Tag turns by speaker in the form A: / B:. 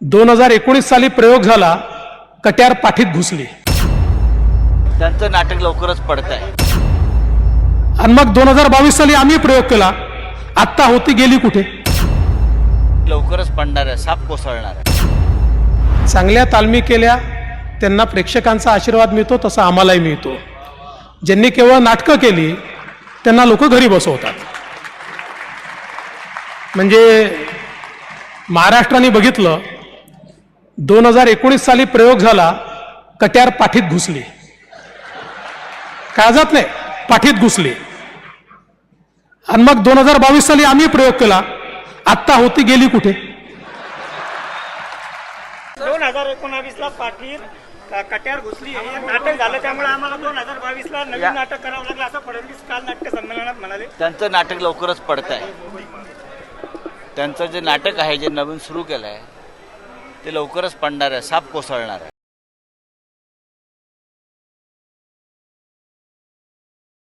A: 2019 साली प्रयोग झाला, कट्यार पाठीत घुसली
B: त्यांचं नाटक लवकरच पडत आहे
A: आणि मग 2022 साली आम्ही प्रयोग केला, आत्ता होती गेली कुठे?
B: लवकरच पडणार आहे, साप कोसळणार आहे.
A: चांगल्या तालमी केल्या त्यांना प्रेक्षकांचा आशीर्वाद मिळतो, तसा आम्हालाही मिळतो. ज्यांनी केवळ नाटकं केली त्यांना लोक घरी बसवतात. म्हणजे महाराष्ट्राने बघितलं, 2019 साली प्रयोग झाला, कट्यार पाठीत घुसली. काळजात नाही, पाठीत घुसली. आणि मग 2022 साली आम्ही प्रयोग केला, आत्ता होती गेली कुठे?
C: 2019 ला पाठीत कट्यार घुसली हे नाटक झालं, त्यामुळे आम्हाला 2022 ला नवीन नाटक करावं लागलं, असं फडणवीस काल नाट्य संमेलनात म्हणाले.
B: त्यांचं नाटक लवकरच पडत आहे. त्यांचं जे नाटक आहे, जे नवीन सुरू केलं आहे, ते लवकरच पडणार आहे, साप कोसळणार आहे.